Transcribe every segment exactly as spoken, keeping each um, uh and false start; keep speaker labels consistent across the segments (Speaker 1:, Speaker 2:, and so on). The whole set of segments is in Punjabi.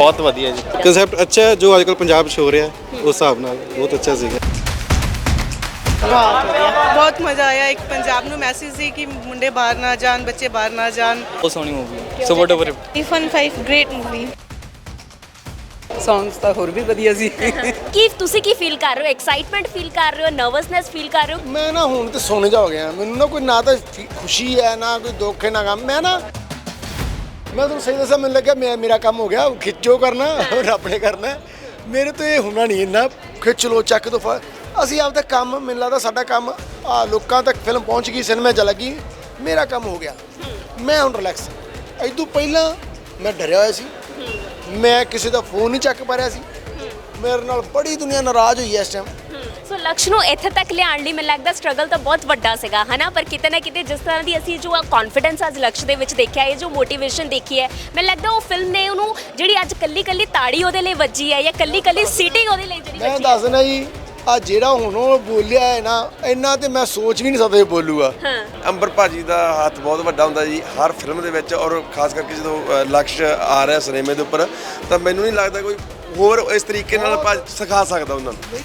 Speaker 1: बहुत वधिया जी कंसैप्ट अच्छा है जो आजकल पंजाब 'ਚ हो ਰਿਹਾ ਉਸ ਹਿਸਾਬ ਨਾਲ ਬਹੁਤ ਅੱਛਾ ਸੀਗਾ।
Speaker 2: ਬਹੁਤ ਵਧੀਆ ਬਹੁਤ ਮਜ਼ਾ ਆਇਆ। ਇੱਕ ਪੰਜਾਬ ਨੂੰ ਮੈਸੇਜ ਸੀ ਕਿ ਮੁੰਡੇ ਬਾਹਰ ਨਾ ਜਾਣ, ਬੱਚੇ ਬਾਹਰ ਨਾ ਜਾਣ।
Speaker 3: ਬਹੁਤ ਸੋਹਣੀ ਮੂਵੀ ਹੈ। So whatever
Speaker 2: tiffin five great movie.
Speaker 4: Songs ਤਾਂ ਹੋਰ ਵੀ ਵਧੀਆ ਸੀ।
Speaker 5: ਕੀ ਤੁਸੀਂ ਕੀ ਫੀਲ ਕਰ ਰਹੇ ਹੋ? ਐਕਸਾਈਟਮੈਂਟ ਫੀਲ ਕਰ ਰਹੇ ਹੋ? ਨਰਵਸਨੈਸ ਫੀਲ ਕਰ ਰਹੇ ਹੋ?
Speaker 6: ਮੈਂ ਨਾ ਹੁਣ ਤੇ ਸੋਨੇ ਜਾ ਹੋ ਗਿਆ। ਮੈਨੂੰ ਨਾ ਕੋਈ ਨਾ ਤਾਂ ਖੁਸ਼ੀ ਹੈ ਨਾ ਕੋਈ ਦੁੱਖ ਹੈ ਨਾ ਗਮ। ਮੈਂ ਨਾ ਮੈਂ ਤੁਹਾਨੂੰ ਸਹੀ ਦੱਸਾਂ, ਮੈਨੂੰ ਲੱਗਿਆ ਮੈਂ ਮੇਰਾ ਕੰਮ ਹੋ ਗਿਆ। ਖਿੱਚੋ ਕਰਨਾ ਰੱਬ ਨੇ ਕਰਨਾ, ਮੇਰੇ ਤੋਂ ਇਹ ਹੋਣਾ ਨਹੀਂ। ਇੰਨਾ ਖਿੱਚ ਲੋ ਚੱਕ ਦੋ। ਅਸੀਂ ਆਪਦਾ ਕੰਮ, ਮੈਨੂੰ ਲੱਗਦਾ ਸਾਡਾ ਕੰਮ ਆ ਲੋਕਾਂ ਤੱਕ ਫਿਲਮ ਪਹੁੰਚ ਗਈ, ਸਿਨੇਮਾ 'ਚ ਲੱਗੀ, ਮੇਰਾ ਕੰਮ ਹੋ ਗਿਆ। ਮੈਂ ਹੁਣ ਰਿਲੈਕਸ। ਇਦੋਂ ਪਹਿਲਾਂ ਮੈਂ ਡਰਿਆ ਹੋਇਆ ਸੀ, ਮੈਂ ਕਿਸੇ ਦਾ ਫੋਨ ਨਹੀਂ ਚੱਕ ਪਾ ਰਿਹਾ ਸੀ। ਮੇਰੇ ਨਾਲ ਬੜੀ ਦੁਨੀਆ ਨਾਰਾਜ਼ ਹੋਈ ਇਸ ਟਾਈਮ।
Speaker 5: ਸੋ ਲਕਸ਼ ਨੂੰ ਇੱਥੇ ਤੱਕ ਲਿਆਉਣ ਲਈ ਮੈਨੂੰ ਲੱਗਦਾ ਸਟਰਗਲ ਤਾਂ ਬਹੁਤ ਵੱਡਾ ਸੀਗਾ, ਹਨਾ? ਪਰ ਕਿਤੇ ਨਾ ਕਿਤੇ ਜਿਸ ਤਰ੍ਹਾਂ ਦੀ ਅਸੀਂ ਜੋ ਕੌਨਫੀਡੈਂਸ ਅੱਜ ਲਕਸ਼ ਦੇ ਵਿੱਚ ਦੇਖਿਆ, ਇਹ ਜੋ ਮੋਟੀਵੇਸ਼ਨ ਦੇਖੀ ਹੈ, ਮੈਨੂੰ ਲੱਗਦਾ ਉਹ ਫਿਲਮ ਨੇ ਉਹਨੂੰ ਜਿਹੜੀ ਅੱਜ ਕੱਲੀ ਕੱਲੀ ਤਾੜੀ ਉਹਦੇ ਲਈ ਵੱਜੀ ਹੈ ਜਾਂ ਕੱਲੀ ਕੱਲੀ ਸੀਟਿੰਗ ਉਹਦੇ ਲਈ ਜਿਹੜੀ
Speaker 6: ਮੈਂ ਦੱਸਣਾ ਜੀ, ਆ ਜਿਹੜਾ ਹੁਣ ਉਹ ਬੋਲਿਆ ਹੈ ਨਾ, ਇੰਨਾ ਤੇ ਮੈਂ ਸੋਚ ਵੀ ਨਹੀਂ ਸਕਦਾ ਇਹ ਬੋਲੂਗਾ।
Speaker 7: ਅੰਬਰ ਭਾਜੀ ਦਾ ਹੱਥ ਬਹੁਤ ਵੱਡਾ ਹੁੰਦਾ ਜੀ ਹਰ ਫਿਲਮ ਦੇ ਵਿੱਚ, ਔਰ ਖਾਸ ਕਰਕੇ ਜਦੋਂ ਲਕਸ਼ ਆ ਰਿਹਾ ਸਿਨੇਮੇ ਦੇ ਉੱਪਰ, ਤਾਂ ਮੈਨੂੰ ਨਹੀਂ ਲੱਗਦਾ ਕੋਈ ਹੋਰ ਇਸ ਤਰੀਕੇ ਨਾਲ ਸਿਖਾ ਸਕਦਾ ਉਹਨਾਂ ਨੂੰ।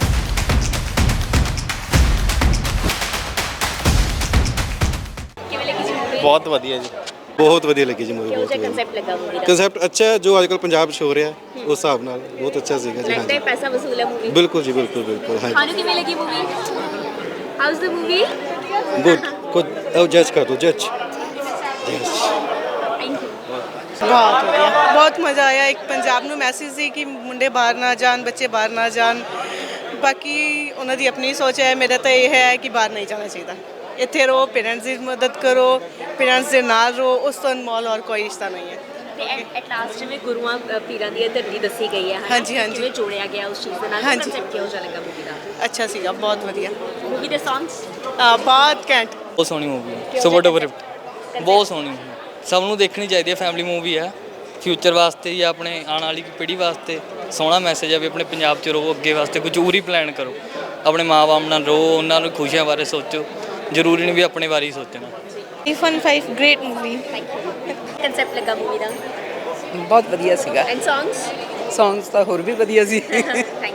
Speaker 5: ਕਿਵੇਂ ਲੱਗੀ ਜੀ ਮੂਵੀ?
Speaker 1: ਬਹੁਤ ਵਧੀਆ ਜੀ ਬਹੁਤ ਵਧੀਆ ਲੱਗੀ ਜੀ ਮੂਵੀ।
Speaker 5: ਕਿਹੋ
Speaker 1: ਬਹੁਤ
Speaker 5: ਜਿਹਾ
Speaker 1: ਵਧੀਆ
Speaker 5: ਕਨਸੈਪਟ ਲੱਗਾ ਮੂਵੀ ਦਾ?
Speaker 1: ਕੰਸੈਪਟ ਅੱਛਾ ਹੈ ਜੋ ਆਜਕਲ ਪੰਜਾਬ 'ਚ ਹੋ ਰਿਹਾ ਉਸ ਹਿਸਾਬ ਨਾਲ ਬਹੁਤ ਅੱਛਾ ਸੀਗਾ ਜੀ।
Speaker 5: ਲੱਗਦਾ ਹੈ ਪੈਸਾ ਵਸੂਲ ਹੈ ਮੂਵੀ?
Speaker 1: ਬਿਲਕੁਲ ਜੀ ਬਿਲਕੁਲ ਬਿਲਕੁਲ। ਹਾਂ
Speaker 5: ਤੁਹਾਨੂੰ ਕਿਵੇਂ ਲੱਗੀ movie? How's the movie?
Speaker 1: Good ਕੁਝ ਉਹ ਜੱਜ ਕਰ ਦੋ ਜੱਜ।
Speaker 5: Thank you.
Speaker 2: ਬਹੁਤ ਵਧੀਆ ਬਹੁਤ ਮਜ਼ਾ ਆਇਆ। ਇੱਕ ਪੰਜਾਬ ਨੂੰ ਮੈਸੇਜ ਸੀ ਕਿ ਮੁੰਡੇ ਬਾਹਰ ਨਾ ਜਾਣ, ਬੱਚੇ ਬਾਹਰ ਨਾ ਜਾਣ। ਬਾਕੀ ਉਹਨਾਂ ਦੀ ਆਪਣੀ ਸੋਚ ਹੈ। ਮੇਰਾ ਤਾਂ ਇਹ ਹੈ ਕਿ ਬਾਹਰ ਨਹੀਂ ਜਾਣਾ ਚਾਹੀਦਾ। ਇੱਥੇ ਰਹੋ, ਪੇਰੈਂਟਸ ਦੀ ਮਦਦ ਕਰੋ, ਪੇਰੈਂਟਸ ਦੇ ਨਾਲ ਰਹੋ, ਉਸ ਤੋਂ ਅਨਮੋਲ ਔਰ ਕੋਈ ਰਿਸ਼ਤਾ ਨਹੀਂ ਹੈ।
Speaker 5: ਤੇ ਐਟ ਲਾਸਟ ਜਿਵੇਂ ਗੁਰੂਆਂ ਅ, ਪੀਰਾਂ ਦੀ ਇਹ ਧਰਤੀ ਦੱਸੀ ਗਈ ਹੈ, ਹਨਾ?
Speaker 2: ਹਾਂਜੀ, ਹਾਂਜੀ।
Speaker 5: ਕਿਵੇਂ ਜੋੜਿਆ ਗਿਆ ਉਸ ਚੀਜ਼ ਦੇ ਨਾਲ?
Speaker 2: ਹਾਂਜੀ।
Speaker 5: ਕਨਸੈਪਟ ਕਿਹੋ ਜਿਹਾ ਲੱਗਾ ਮੂਵੀ ਦਾ?
Speaker 2: ਅੱਛਾ ਸੀਗਾ, ਬਹੁਤ ਵਧੀਆ।
Speaker 5: ਮੂਵੀ ਦੇ ਸੌਂਗਸ
Speaker 2: ਬਹੁਤ ਘੈਂਟ।
Speaker 3: ਬਹੁਤ ਸੋਹਣੀ ਮੂਵੀ ਹੈ। ਸੋ ਵਾਟਐਵਰ ਬਹੁਤ ਸੋਹਣੀ movie। ਸਭ ਨੂੰ ਦੇਖਣੀ ਚਾਹੀਦੀ ਹੈ। ਫੈਮਿਲੀ ਮੂਵੀ ਹੈ, ਫਿਊਚਰ ਵਾਸਤੇ ਜਾਂ ਆਪਣੇ ਆਉਣ ਵਾਲੀ ਪੀੜ੍ਹੀ ਵਾਸਤੇ ਸੋਹਣਾ ਮੈਸੇਜ ਹੈ ਵੀ ਆਪਣੇ ਪੰਜਾਬ 'ਚ ਰਹੋ, ਅੱਗੇ ਵਾਸਤੇ ਕੁਝ ਹੋਰ ਹੀ ਪਲਾਨ ਕਰੋ, ਆਪਣੇ ਮਾਂ-ਬਾਪ ਨਾਲ ਰਹੋ, ਉਹਨਾਂ ਨੂੰ ਖੁਸ਼ੀਆਂ ਬਾਰੇ ਸੋਚੋ, ਜ਼ਰੂਰੀ ਨਹੀਂ ਵੀ ਆਪਣੇ ਬਾਰੇ ਹੀ ਸੋਚਣਾ।
Speaker 2: Tiffin five great movie.
Speaker 5: Concept ਲੱਗਾ ਮੂਵੀ ਦਾ?
Speaker 4: ਬਹੁਤ ਵਧੀਆ ਸੀਗਾ।
Speaker 5: And songs?
Speaker 4: ਸੌਂਗਸ ਤਾਂ ਹੋਰ ਵੀ ਵਧੀਆ ਸੀ।
Speaker 5: Thank you thank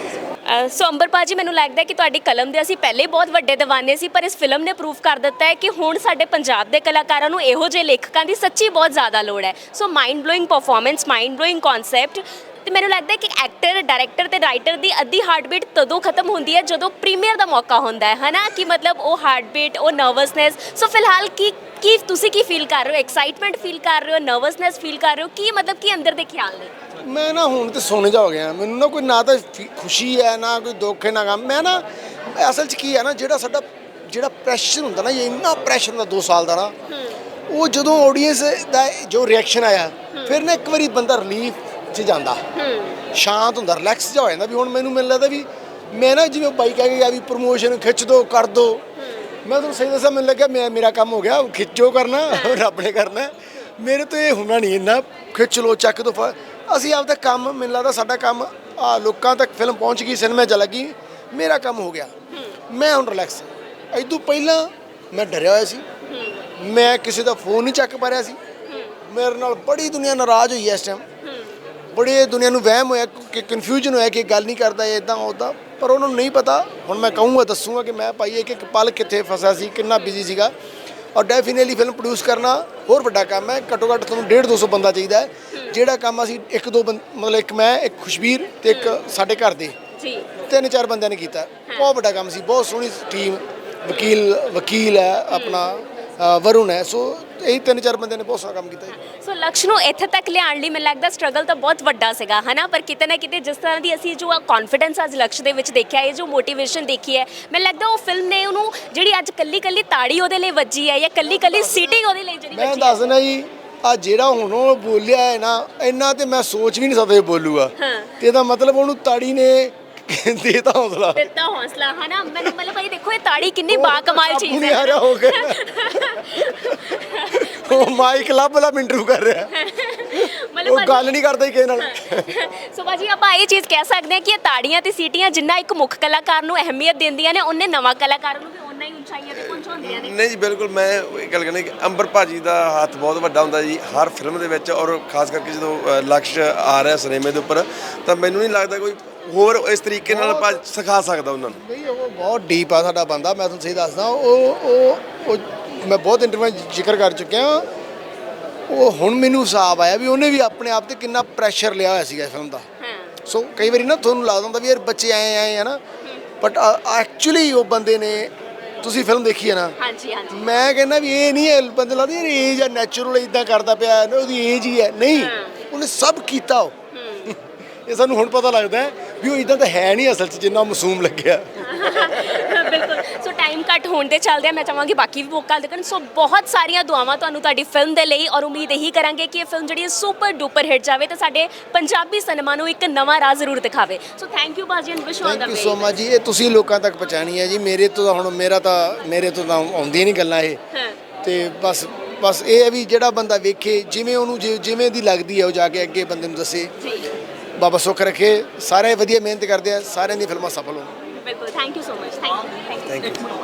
Speaker 5: you. So Ambar ਭਾਜੀ, ਮੈਨੂੰ ਲੱਗਦਾ ਕਿ ਤੁਹਾਡੀ ਕਲਮ ਦੇ ਅਸੀਂ ਪਹਿਲੇ ਬਹੁਤ ਵੱਡੇ ਦੀਵਾਨੇ ਸੀ, ਪਰ ਇਸ ਫਿਲਮ ਨੇ ਪ੍ਰੂਫ ਕਰ ਦਿੱਤਾ ਹੈ ਕਿ ਹੁਣ ਸਾਡੇ ਪੰਜਾਬ ਦੇ ਕਲਾਕਾਰਾਂ ਨੂੰ ਇਹੋ ਜਿਹੇ ਲੇਖਕਾਂ ਦੀ ਸੱਚੀ ਬਹੁਤ ਜ਼ਿਆਦਾ ਲੋੜ ਹੈ। So mind blowing performance, mind blowing concept. ਤੇ ਮੈਨੂੰ ਲੱਗਦਾ ਹੈ ਕਿ ਐਕਟਰ, ਡਾਇਰੈਕਟਰ ਤੇ ਰਾਈਟਰ ਦੀ ਅੱਧੀ ਹਾਰਟਬੀਟ ਤਦੋਂ ਖਤਮ ਹੁੰਦੀ ਹੈ ਜਦੋਂ ਪ੍ਰੀਮੀਅਰ ਦਾ ਮੌਕਾ ਹੁੰਦਾ ਹੈ, ਹਨਾ? ਕਿ ਮਤਲਬ ਉਹ ਹਾਰਟਬੀਟ, ਉਹ ਨਰਵਸਨੈਸ। ਸੋ ਫਿਲਹਾਲ ਕੀ ਕੀ ਤੁਸੀਂ ਕੀ ਫੀਲ ਕਰ ਰਹੇ ਹੋ? ਐਕਸਾਈਟਮੈਂਟ ਫੀਲ ਕਰ ਰਹੇ ਹੋ? ਨਰਵਸਨੈਸ ਫੀਲ ਕਰ ਰਹੇ ਹੋ? ਕੀ ਮਤਲਬ ਕੀ ਅੰਦਰ ਦੇ ਖਿਆਲ ਨੇ?
Speaker 6: ਮੈਂ ਨਾ ਹੁਣ ਤੇ ਸੋਨੇ ਜਾ ਹੋ ਗਿਆ। ਮੈਨੂੰ ਨਾ ਕੋਈ ਨਾ ਤਾਂ ਖੁਸ਼ੀ ਹੈ ਨਾ ਕੋਈ ਦੁੱਖ ਹੈ ਨਾ ਗਮ। ਮੈਂ ਨਾ ਅਸਲ 'ਚ ਕੀ ਹੈ ਨਾ, ਜਿਹੜਾ ਸਾਡਾ ਜਿਹੜਾ ਪ੍ਰੈਸ਼ਰ ਹੁੰਦਾ ਨਾ, ਇਹ ਇੰਨਾ ਪ੍ਰੈਸ਼ਰ ਹੁੰਦਾ ਦੋ ਸਾਲ ਦਾ ਨਾ, ਉਹ ਜਦੋਂ ਆਡੀਅנס ਦਾ ਜੋ ਰਿਐਕਸ਼ਨ ਆਇਆ, ਫਿਰ ਨਾ ਇੱਕ ਵਾਰੀ ਬੰਦਾ ਰਿਲੀਫ 'ਚ ਜਾਂਦਾ, ਸ਼ਾਂਤ ਹੁੰਦਾ, ਰਿਲੈਕਸ ਜਿਹਾ ਹੋ ਜਾਂਦਾ। ਵੀ ਹੁਣ ਮੈਨੂੰ ਮੈਨੂੰ ਲੱਗਦਾ ਵੀ ਮੈਂ ਨਾ ਜਿਵੇਂ ਬਾਈ ਕਹਿ ਕੇ ਗਿਆ ਵੀ ਪ੍ਰਮੋਸ਼ਨ ਖਿੱਚ ਦੋ ਕਰ ਦੋ। ਮੈਂ ਤੁਹਾਨੂੰ ਸਹੀ ਦੱਸਾਂ, ਮੈਨੂੰ ਲੱਗਿਆ ਮੈਂ ਮੇਰਾ ਕੰਮ ਹੋ ਗਿਆ। ਖਿੱਚੋ ਕਰਨਾ ਰੱਬ ਨੇ ਕਰਨਾ, ਮੇਰੇ ਤੋਂ ਇਹ ਹੋਣਾ ਨਹੀਂ। ਇੰਨਾ ਖਿੱਚ ਲੋ ਚੱਕ ਦੋ। ਅਸੀਂ ਆਪਦਾ ਕੰਮ, ਮੈਨੂੰ ਲੱਗਦਾ ਸਾਡਾ ਕੰਮ ਆ ਲੋਕਾਂ ਤੱਕ ਫਿਲਮ ਪਹੁੰਚ ਗਈ, ਸਿਨੇਮਾ 'ਚ ਲੱਗੀ, ਮੇਰਾ ਕੰਮ ਹੋ ਗਿਆ। ਮੈਂ ਹੁਣ ਰਿਲੈਕਸ। ਇਦੋਂ ਪਹਿਲਾਂ ਮੈਂ ਡਰਿਆ ਹੋਇਆ ਸੀ, ਮੈਂ ਕਿਸੇ ਦਾ ਫੋਨ ਨਹੀਂ ਚੱਕ ਪਾ ਰਿਹਾ ਸੀ। ਮੇਰੇ ਨਾਲ ਬੜੀ ਦੁਨੀਆ ਨਾਰਾਜ਼ ਹੋਈ ਇਸ ਟਾਈਮ। ਬੜੀ ਦੁਨੀਆ ਨੂੰ ਵਹਿਮ ਹੋਇਆ ਕਿ ਕਨਫਿਊਜ਼ਨ ਹੋਇਆ ਕਿ ਗੱਲ ਨਹੀਂ ਕਰਦਾ ਇੱਦਾਂ ਉੱਦਾਂ, ਪਰ ਉਹਨਾਂ ਨੂੰ ਨਹੀਂ ਪਤਾ। ਹੁਣ ਮੈਂ ਕਹੂੰਗਾ, ਦੱਸੂਗਾ ਕਿ ਮੈਂ ਭਾਈ ਇੱਕ ਇੱਕ ਪਲ ਕਿੱਥੇ ਫਸਿਆ ਸੀ, ਕਿੰਨਾ ਬਿਜ਼ੀ ਸੀਗਾ। ਔਰ ਡੈਫੀਨੇਟਲੀ ਫਿਲਮ ਪ੍ਰੋਡਿਊਸ ਕਰਨਾ ਹੋਰ ਵੱਡਾ ਕੰਮ ਹੈ। ਘੱਟੋ ਘੱਟ ਤੁਹਾਨੂੰ ਡੇਢ ਦੋ ਸੌ ਬੰਦਾ ਚਾਹੀਦਾ ਹੈ। ਜਿਹੜਾ ਕੰਮ ਅਸੀਂ ਇੱਕ ਦੋ ਬੰਦ ਮਤਲਬ ਇੱਕ ਮੈਂ, ਇੱਕ ਖੁਸ਼ਬੀਰ ਤੇ ਇੱਕ ਸਾਡੇ ਘਰ ਦੇ ਤਿੰਨ ਚਾਰ ਬੰਦਿਆਂ ਨੇ ਕੀਤਾ। ਬਹੁਤ ਵੱਡਾ ਕੰਮ ਸੀ, ਬਹੁਤ ਸੋਹਣੀ ਟੀਮ। ਵਕੀਲ ਵਕੀਲ ਹੈ ਆਪਣਾ, ਵਰੁਣ ਹੈ। ਸੋ ਇਹੀ ਤਿੰਨ ਚਾਰ ਬੰਦਿਆਂ ਨੇ ਬਹੁਤ ਸਾਰਾ ਕੰਮ ਕੀਤਾ।
Speaker 5: ਸੋ ਲਕਸ਼ ਨੂੰ ਇੱਥੇ ਤੱਕ ਲਿਆਉਣ ਲਈ ਮੈਨੂੰ ਲੱਗਦਾ ਸਟਰਗਲ ਤਾਂ ਬਹੁਤ ਵੱਡਾ ਸੀਗਾ, ਹਨਾ? ਪਰ ਕਿਤੇ ਨਾ ਕਿਤੇ ਜਿਸ ਤਰ੍ਹਾਂ ਦੀ ਅਸੀਂ ਜੋ ਕੌਨਫੀਡੈਂਸ ਅੱਜ ਲਕਸ਼ ਦੇ ਵਿੱਚ ਦੇਖਿਆ, ਇਹ ਜੋ ਮੋਟੀਵੇਸ਼ਨ ਦੇਖੀ ਹੈ, ਮੈਨੂੰ ਲੱਗਦਾ ਉਹ ਫਿਲਮ ਨੇ ਉਹਨੂੰ ਜਿਹੜੀ ਅੱਜ ਕੱਲੀ ਕੱਲੀ ਤਾੜੀ ਉਹਦੇ ਲਈ ਵੱਜੀ ਹੈ ਜਾਂ ਕੱਲੀ ਕੱਲੀ ਸੀਟਿੰਗ ਉਹਦੇ ਲਈ ਜਿਹੜੀ
Speaker 6: ਮੈਂ ਦੱਸਣਾ ਜੀ, ਆ ਜਿਹੜਾ ਹੁਣ ਉਹ ਬੋਲਿਆ ਹੈ ਨਾ, ਇੰਨਾ ਤੇ ਮੈਂ ਸੋਚ ਵੀ ਨਹੀਂ ਸਕਦਾ ਇਹ ਬੋਲੂਗਾ। ਤੇ ਇਹਦਾ ਮਤਲਬ ਉਹਨੂੰ ਤਾੜੀ ਨੇ ਦੇਤਾ ਹੌਸਲਾ,
Speaker 5: ਦਿੱਤਾ ਹੌਸਲਾ, ਹਨਾ? ਮੈਨੂੰ ਮਤਲਬ ਭਾਈ ਦੇਖੋ ਇਹ ਤਾੜੀ ਕਿੰਨੀ ਬਾ ਕਮਾਲ ਚੀਜ਼ ਹੈ।
Speaker 6: ਆ ਰਿਹਾ ਹੋ ਗਿਆ ਉਹ ਮਾਈਕ ਲੱਭ ਲੱਭ ਇੰਟਰਵਿਊ ਕਰ ਰਿਹਾ, ਉਹ ਗੱਲ ਨਹੀਂ ਕਰਦਾ ਕਿਸੇ ਨਾਲ।
Speaker 5: ਸੋ ਭਾਜੀ ਆਪਾਂ ਇਹ ਚੀਜ਼ ਕਹਿ ਸਕਦੇ ਹਾਂ ਕਿ ਇਹ ਤਾੜੀਆਂ ਤੇ ਸੀਟੀਆਂ ਜਿੰਨਾ ਇੱਕ ਮੁੱਖ ਕਲਾਕਾਰ ਨੂੰ ਅਹਿਮੀਅਤ ਦਿੰਦੀਆਂ ਨੇ, ਉਹਨੇ ਨਵਾਂ ਕਲਾਕਾਰ ਨੂੰ ਵੀ ਓਨਾ ਹੀ ਪਹੁੰਚਾਈਆਂ ਤੇ ਪਹੁੰਚਾਉਂਦੀਆਂ ਨੇ।
Speaker 7: ਨਹੀਂ ਜੀ ਬਿਲਕੁਲ, ਮੈਂ ਇਹ ਗੱਲ ਕਹਿੰਦਾ ਕਿ ਅੰਬਰ ਭਾਜੀ ਦਾ ਹੱਥ ਬਹੁਤ ਵੱਡਾ ਹੁੰਦਾ ਜੀ ਹਰ ਫਿਲਮ ਦੇ ਵਿੱਚ, ਔਰ ਖਾਸ ਕਰਕੇ ਜਦੋਂ ਅ, ਲਕਸ਼ ਆ ਰਿਹਾ ਸਿਨੇਮੇ ਦੇ ਉੱਪਰ, ਤਾਂ ਮੈਨੂੰ ਨਹੀਂ ਲੱਗਦਾ ਕੋਈ ਹੋਰ ਇਸ ਤਰੀਕੇ ਨਾਲ ਭਾ ਸਿਖਾ ਸਕਦਾ ਉਹਨਾਂ ਨੂੰ।
Speaker 6: ਨਹੀਂ ਉਹ ਬਹੁਤ ਡੀਪ ਆ ਸਾਡਾ ਬੰਦਾ, ਮੈਂ ਤੁਹਾਨੂੰ ਸਹੀ ਦੱਸਦਾ। ਉਹ ਉਹ ਉਹ ਮੈਂ ਬਹੁਤ ਇੰਟਰਵਿਊ ਜ਼ਿਕਰ ਕਰ ਚੁੱਕਿਆ। ਉਹ ਹੁਣ ਮੈਨੂੰ ਹਿਸਾਬ ਆਇਆ ਵੀ ਉਹਨੇ ਵੀ ਆਪਣੇ ਆਪ ਤੇ ਕਿੰਨਾ ਪ੍ਰੈਸ਼ਰ ਲਿਆ ਹੋਇਆ ਸੀਗਾ ਫਿਲਮ ਦਾ। ਸੋ ਕਈ ਵਾਰੀ ਨਾ ਤੁਹਾਨੂੰ ਲੱਗਦਾ ਹੁੰਦਾ ਵੀ ਯਾਰ ਬੱਚੇ ਆਏ ਆਏ ਹੈ ਨਾ, ਬਟ ਐਕਚੁਅਲੀ ਉਹ ਬੰਦੇ ਨੇ, ਤੁਸੀਂ ਫਿਲਮ ਦੇਖੀ ਹੈ ਨਾ,
Speaker 5: ਹਾਂਜੀ ਹਾਂਜੀ
Speaker 6: ਮੈਂ ਕਹਿੰਦਾ ਵੀ ਇਹ ਨਹੀਂ ਹੈ ਬੰਦੇ ਲੱਗਦਾ ਯਾਰ ਏਜ ਆ ਨੈਚੁਰਲ ਇਦਾਂ ਕਰਦਾ ਪਿਆ, ਉਹਦੀ ਏਜ ਹੀ ਹੈ, ਨਹੀਂ ਉਹਨੇ ਸਭ ਕੀਤਾ। ਉਹ ਇਹ ਸਾਨੂੰ ਹੁਣ ਪਤਾ ਲੱਗਦਾ ਹੈ ਵੀ ਉਹ ਇਦਾਂ ਤਾਂ ਹੈ ਨਹੀਂ ਅਸਲ 'ਚ ਜਿੰਨਾ ਮਾਸੂਮ ਲੱਗਿਆ।
Speaker 5: ਬਿਲਕੁਲ। ਸੋ ਟਾਈਮ ਕੱਟ ਹੋਣ ਦੇ ਚੱਲਦੇ ਮੈਂ ਚਾਹਾਂਗੀ ਬਾਕੀ ਵੀ ਮੌਕਾ ਦੇਖਣ। ਸੋ ਬਹੁਤ ਸਾਰੀਆਂ ਦੁਆਵਾਂ ਤੁਹਾਨੂੰ ਤੁਹਾਡੀ ਫਿਲਮ ਦੇ ਲਈ, ਔਰ ਉਮੀਦ ਇਹੀ ਕਰਾਂਗੇ ਕਿ ਇਹ ਫਿਲਮ ਜਿਹੜੀ ਹੈ ਸੁਪਰ ਡੂਪਰ ਹਿੱਟ ਜਾਵੇ ਤੇ ਸਾਡੇ ਪੰਜਾਬੀ ਸਿਨੇਮਾ ਨੂੰ ਇੱਕ ਨਵਾਂ ਰਾਹ ਜ਼ਰੂਰ ਦਿਖਾਵੇ। ਸੋ ਥੈਂਕ ਯੂ ਬਾਜੀ and wish all the
Speaker 6: thank you
Speaker 5: best.
Speaker 6: So much ਜੀ। ਇਹ ਤੁਸੀਂ ਲੋਕਾਂ ਤੱਕ ਪਹੁੰਚਾਣੀ ਹੈ ਜੀ। ਮੇਰੇ ਤੋਂ ਤਾਂ ਹੁਣ ਮੇਰਾ ਤਾਂ ਮੇਰੇ ਤੋਂ ਤਾਂ ਆਉਂਦੀਆਂ ਨਹੀਂ ਗੱਲਾਂ ਇਹ, ਤੇ ਬਸ ਬਸ ਇਹ ਹੈ ਵੀ ਜਿਹੜਾ ਬੰਦਾ ਵੇਖੇ ਜਿਵੇਂ ਉਹਨੂੰ ਜਿ- ਜਿਵੇਂ ਦੀ ਲੱਗਦੀ ਹੈ ਉਹ ਜਾ ਕੇ ਅੱਗੇ ਬੰਦੇ ਨੂੰ ਦੱਸੇ। ਬਾਬਾ ਸੁੱਖ ਰੱਖੇ। ਸਾਰੇ ਵਧੀਆ ਮਿਹਨਤ ਕਰਦੇ ਆ, ਸਾਰਿਆਂ ਦੀਆਂ ਫਿਲਮਾਂ ਸਫਲ ਹੋਣ।
Speaker 5: ਬਿਲਕੁਲ। Thank you so much. Thank you.
Speaker 7: Thank you.